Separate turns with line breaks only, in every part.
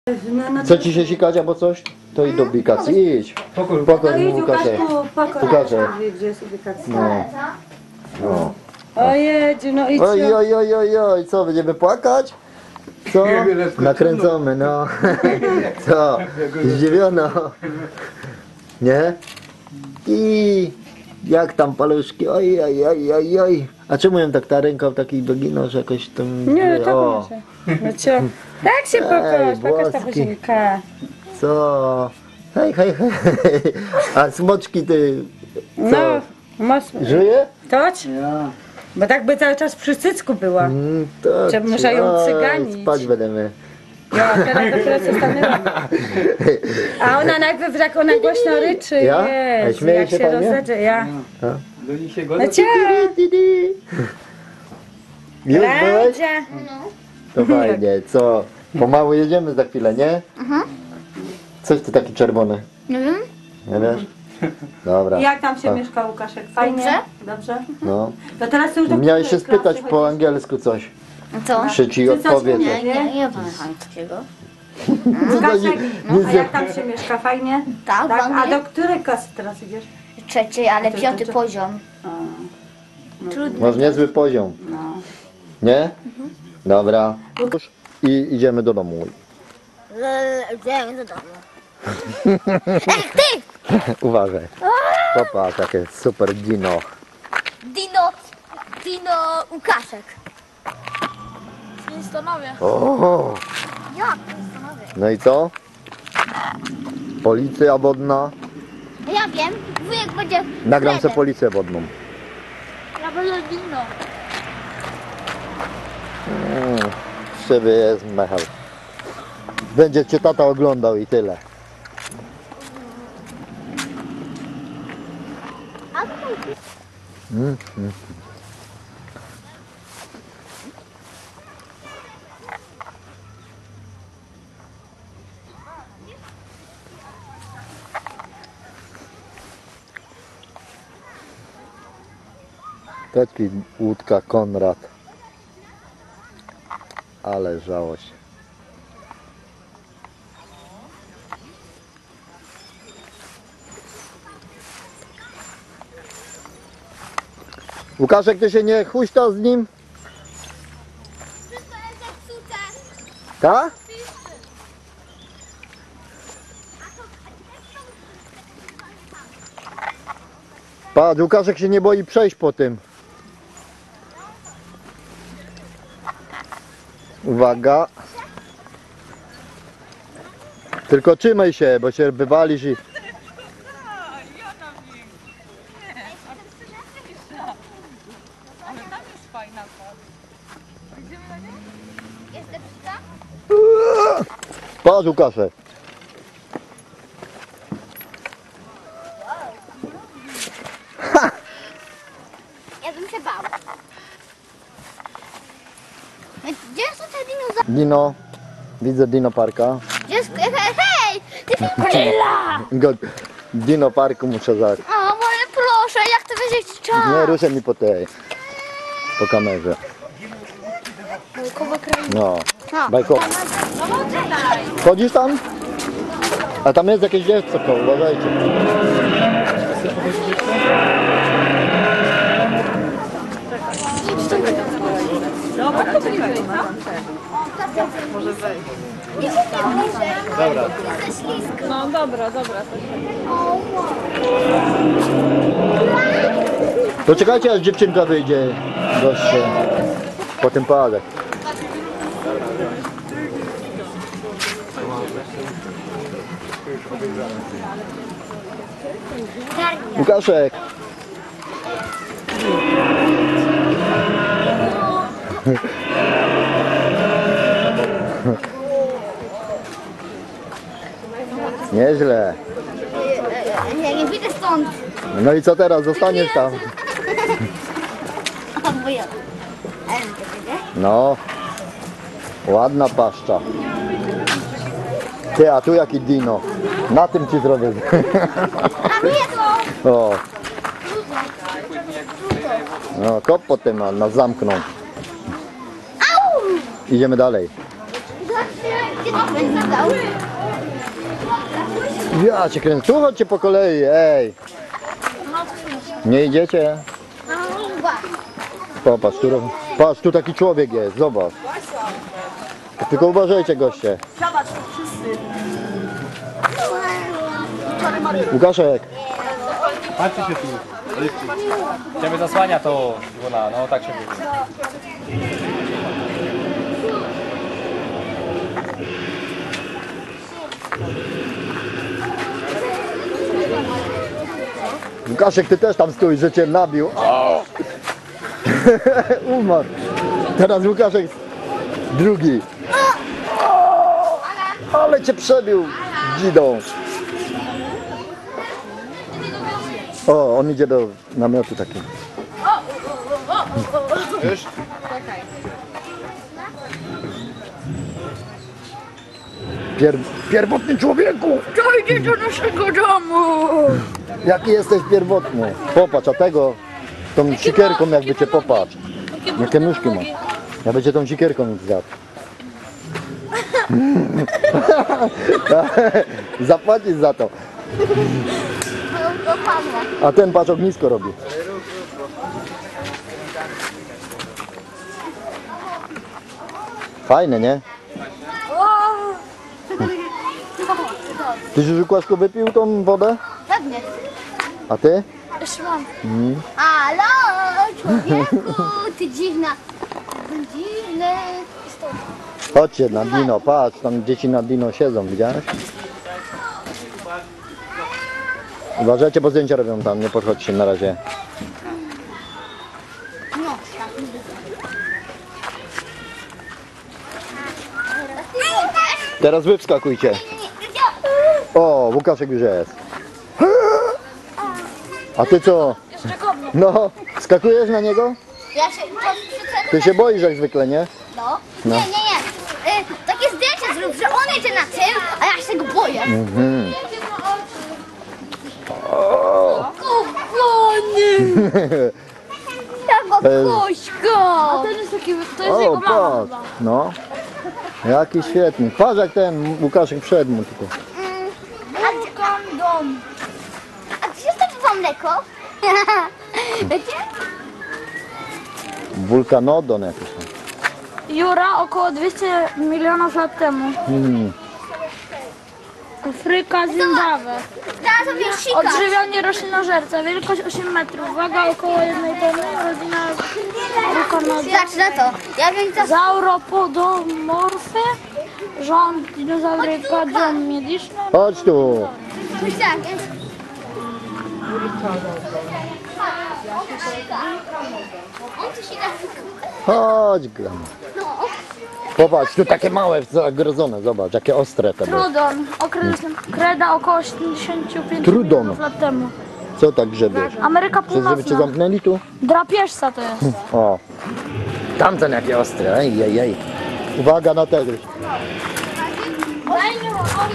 Co ci się sikać albo coś? To i do ubikacji. Idź. Pokaż mu Łukaszek. Łukaszek.
Gdzie jest ubikacja?
No. No.
Ojedziu, no idź.
Oj, co, będziemy płakać? Co? Nakręcamy, no. Co? Zdziwiono. Nie? I jak tam paluszki? Oj. A czemu ją tak ta ręka taki doginął, że jakoś tam...
Nie, tak może. No cio. Tak się pokaż ta buzienka.
Co? Hej. A smoczki ty... Co?
No, mocno.
Żyje?
Toć? Bo tak by cały czas przy cycku była.
To
Że muszę ją cyganić.
Spać będziemy.
Ja, teraz dopiero co stanęła. A ona najpierw tak ona głośno ryczy.
Ja? A
Jest,
śmieje
jak
się
się
pani?
rozedrze. Ja.
Do nich się
No
godzą.
cio.
Już byłeś?
Radzie.
To fajnie, co? Pomału jedziemy za chwilę, nie? Coś ty taki czerwony.
Nie wiem.
Nie wiesz? Dobra.
Jak tam się mieszka Łukaszek? Fajnie? Dobrze?
No.
To teraz już do
Miałeś się
której
spytać
klasy
po
chodzisz?
angielsku coś.
Co?
Czy ci
Ty coś
odpowie.
umiesz?
Nie pamiętam takiego.
Łukaszek,
nie
a jak tam się mieszka? Fajnie?
Tak, w
Tak? A
Anglii.
do której klasy teraz idziesz?
Trzeci, ale
To- to-
piąty
to-
poziom. Trudno.
Masz niezły poziom.
No.
Nie? Dobra. I idziemy do domu.
Idziemy do domu. Ej, ty!
Uważaj. Popatrz, jakie super dino.
Dino Łukaszek. Stanowię.
O,
Jak stanowię?
no i co? Policja wodna.
Ja wiem, wujek będzie...
Nagram sobie
Fredem.
policję wodną.
Ja będę Dino.
Krzywy jest Michał. Będzie cię tata oglądał i tyle.
A tutaj...
Taki łódka Konrad. Ale żało się. Łukaszek, ty się nie huśta z nim?
Wszystko jest zepsute.
Tak? Patrz, Łukaszek się nie boi przejść po tym. Uwaga. Tylko trzymaj się, bo się wywalisz i...
Jest zepsuta?
Patrz, Łukaszek.
Ja bym się bał. Gdzie są te dinozaury?
Dino. Widzę Dino Parka.
Gdzie jest... Hej! Ty godzilla!
Dino Parku muszę za...
O, może proszę, jak to będzie czas?
Nie ruszaj mi po tej... Po kamerze. No. Bajkowo. Chodzisz tam? A tam jest jakieś dziecko, uważajcie. Dobra.
No dobra.
To czekajcie, aż dziewczynka wyjdzie goście. Po tym padek. Łukaszek. Nieźle.
Ja nie wyjdę stąd.
No i co teraz? Zostaniesz tam.
O, wuja.
No. Ładna paszcza. Ty, a tu jaki dino. Na tym ci zrobię.
A mnie to!
O. No, kop potem nas zamkną. Idziemy dalej.
Zobaczcie, Będzie dał.
Ja cię kręcę. Tu chodźcie po kolei, ej. Nie idziecie? Popatrz, patrz, tu taki człowiek jest, zobacz. Tylko uważajcie, goście. Łukaszek.
Patrzcie się tu. Ciebie zasłania to Iwona, no tak się mówi.
Łukaszek, ty też tam stój, że cię nabił. O! Umarł. Teraz Łukaszek drugi. Ale cię przebił dzidą. O, on idzie do namiotu takiego.
Już?
Pierwotny człowieku!
Dojdzie do naszego domu!
Jaki jesteś pierwotny? Popatrz, a tego tą sikierką jakby cię popatrz. Jakie nóżki ma. Ja będzie tą sikierką zjadł. Zapłacisz za to. A ten patrz ognisko robi. Fajne, nie? Ty już Łukaszku wypił tą wodę?
Pewnie.
A ty?
Jeszcze mam. Halo, człowieku, ty dziwna. Dziwny.
Chodźcie na dino, patrz, tam dzieci na dino siedzą, widziałeś? Uważajcie, bo zdjęcia robią tam, nie podchodźcie na razie.
No.
Teraz wy wskakujcie. O, Łukaszek już jest. A ty co? No, skakujesz na niego?
Ja się...
Ty się boisz jak zwykle, nie?
No. Nie, nie, nie. Takie zdjęcie zrób, że on jedzie na tym, a ja się go boję.
Mhm.
Kochany! Jaka
To jest-
kośka!
To jest taki, to jest
O,
jego mama.
patrz, no. Jaki świetny. Patrz jak ten Łukaszek wszedł mu tylko.
Dom.
A gdzie jest to mleko? Wiecie?
Wulkanodon jakiś tam.
Jura około 200 milionów lat temu. Afryka, Zimbabwe.
Teraz sobie sikasz.
Odżywianie roślinożerca, wielkość 8 metrów, waga około 1 tony, rodzina Wulkanodon.
Znaczy na to. Ja wiem co...
Sauropodomorfy, rząd dinozauryka, dom medyczny.
Chodź tu.
Myślałem, on tu się tak...
Chodź, gram.
No.
Popatrz, tu takie małe, zagrodzone, zobacz, jakie ostre te były.
Trudon, okres kreda około 75
Trudon.
milionów lat temu.
Co tak grzebiesz?
Ameryka
Chcesz, żeby cię
Północna.
zamknęli tu?
Drapieżca to jest.
O. Tamten jakie ostre, ej, ej, ej. Uwaga na tego.
Daj mi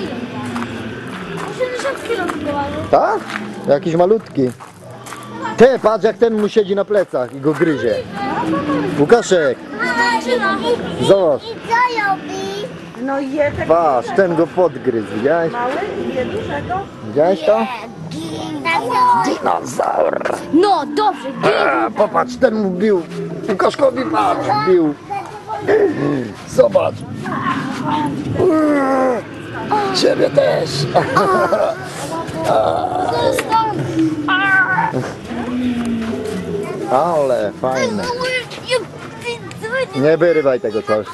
80 kg tylko waży.
Tak? Jakiś malutki. Ty, patrz jak ten mu siedzi na plecach i go gryzie. Łukaszek, zobacz.
I co robi?
No je tak
Patrz, ten go podgryzł, widziałeś?
mały, je dużego.
Widziałeś to?
Dinozaur.
Dinozaur.
No, dobrze.
Popatrz, ten mu bił. Łukaszkowi patrz, bił. Zobacz. Ciebie też. Ale fajne. Nie wyrywaj tego coś.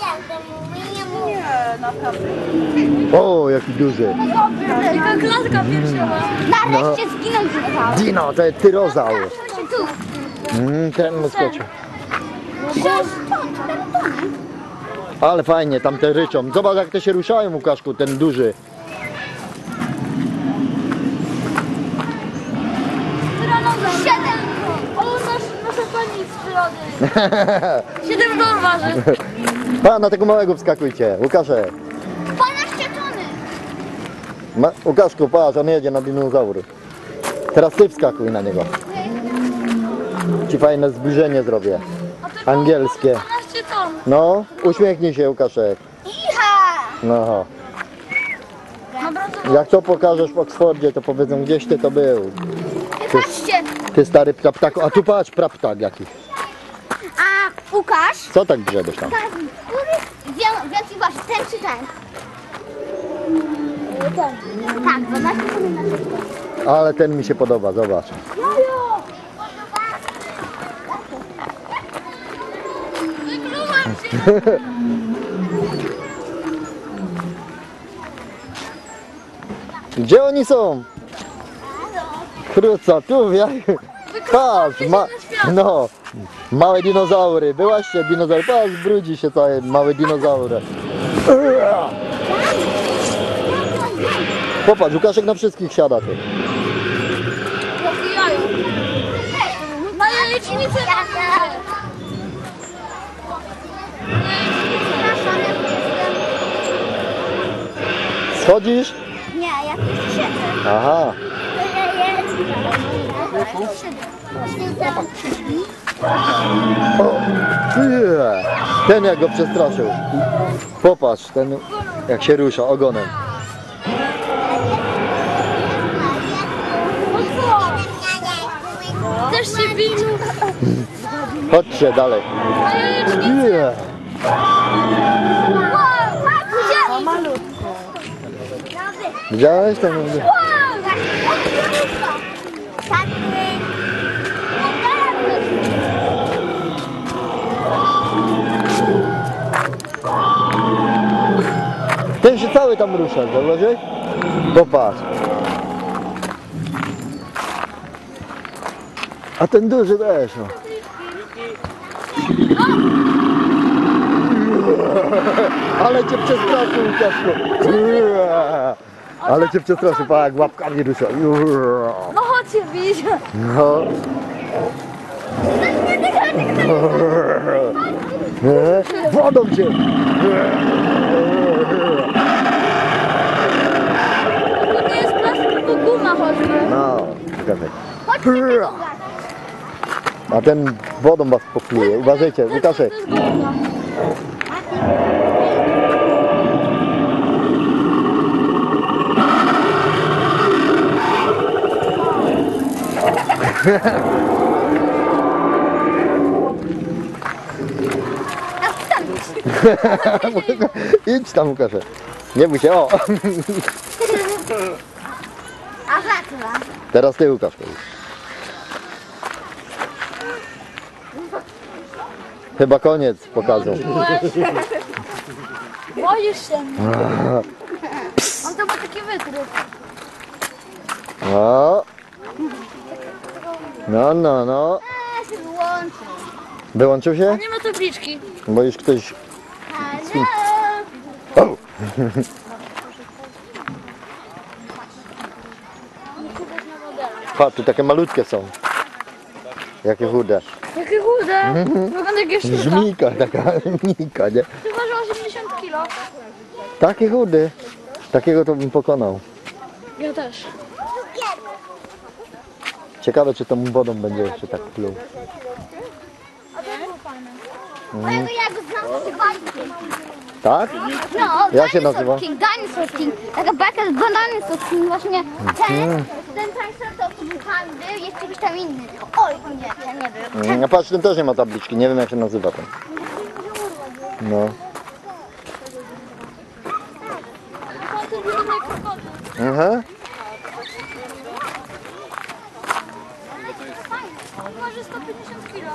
O, jaki duży.
Taka klatka piersiowa.
Nareszcie zginął dinozaur.
Dino, to jest tyrozaur.
Tu.
Ten mu skoczył. Ale fajnie, tam te ryczą. Zobacz jak te się ruszają, Łukaszku, ten duży.
Siedem. O, nasza pani z przyrody. 7 ton waży.
Pa, na tego małego wskakujcie. Łukaszek.
12 tony.
Łukaszku, patrz, on jedzie na dinozaury. Teraz ty wskakuj na niego. Ci fajne zbliżenie zrobię. Angielskie.
12 ton.
No, uśmiechnij się, Łukaszek.
Iha!
No.
Ma brązową.
Jak to pokażesz w Oksfordzie, to powiedzą, gdzieś ty to był.
Patrzcie,
Ty stary praptaku. A tu patrz, praptak jaki.
a Łukasz,
Co tak grzebiesz tam?
więcej waży, ten czy ten? Ten. Tak, 12 cm.
Ale ten mi się podoba, zobacz. Gdzie oni są? Króca, tu jak... Patrz, no, małe dinozaury. Byłaście dinozaury, patrz, brudzi się całe małe dinozaury. Popatrz, Łukaszek na wszystkich siada ty.
Ma jajecznicę.
Schodzisz?
Nie, ja tu siedzę.
Aha. O, nie. Ten jak go przestraszył. Popatrz, ten jak się rusza ogonem.
Też się winu.
Chodźcie dalej. Nie. Widziałeś ten? Ten się cały tam rusza, zauważyłeś? Popatrz. A ten duży też. No. Ale cię przestraszył, Łukaszku. Ale cię przestraszył, pa jak łapkami rusza.
No chodźcie, widzisz.
No. Wodą cię.
To nie jest plastik, tylko guma choćby.
No, czekaj.
Chodźcie,
A ten wodą was popluje. Uważajcie, Łukaszek. Idź tam, Łukaszek. Nie bój się, o.
A zacna.
Teraz ty, Łukasz. Chyba koniec pokazu.
Boisz się mnie. On to ma taki wytrych.
No. No, no, no.
Się wyłączy.
Wyłączył się?
Nie ma tabliczki.
Bo już ktoś...
Ale...
O! Patrz, tu takie malutkie są. Jakie chude.
Jakie chude. Wygląda jak jeszcze.
Żmijka, taka żmijka, nie?
Ty waży 80 kg.
Takie chudy. Takiego to bym pokonał.
Ja też.
Ciekawe, czy tą wodą będzie jeszcze tak pluł.
Mojego ja go znam z bajki.
Tak?
No,
Jak się nazywa?
Dinosaur King. Taka bajka z Dinosaur King. Właśnie ten Triceratops był tam, był, jest jakiś tam inny. Oj, nie, ja nie był.
No patrz, ten też nie ma tabliczki. Nie wiem, jak się nazywa ten. No. Aha.
Waży 150 kg.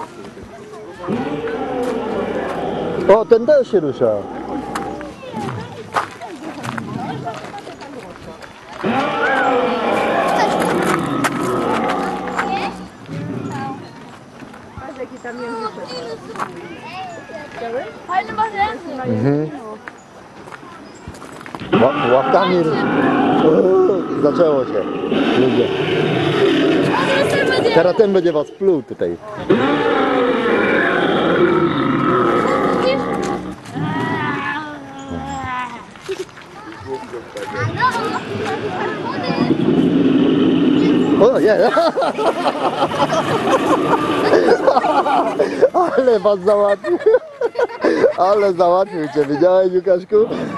O, ten też się rusza.
Fajny ma ręce.
Mhm. Łapkami. Zaczęło się. Ludzie. Teraz ten będzie was pluł tutaj. O nie! Ale was załatwił! Ale załatwił cię, widziałeś, Łukaszku?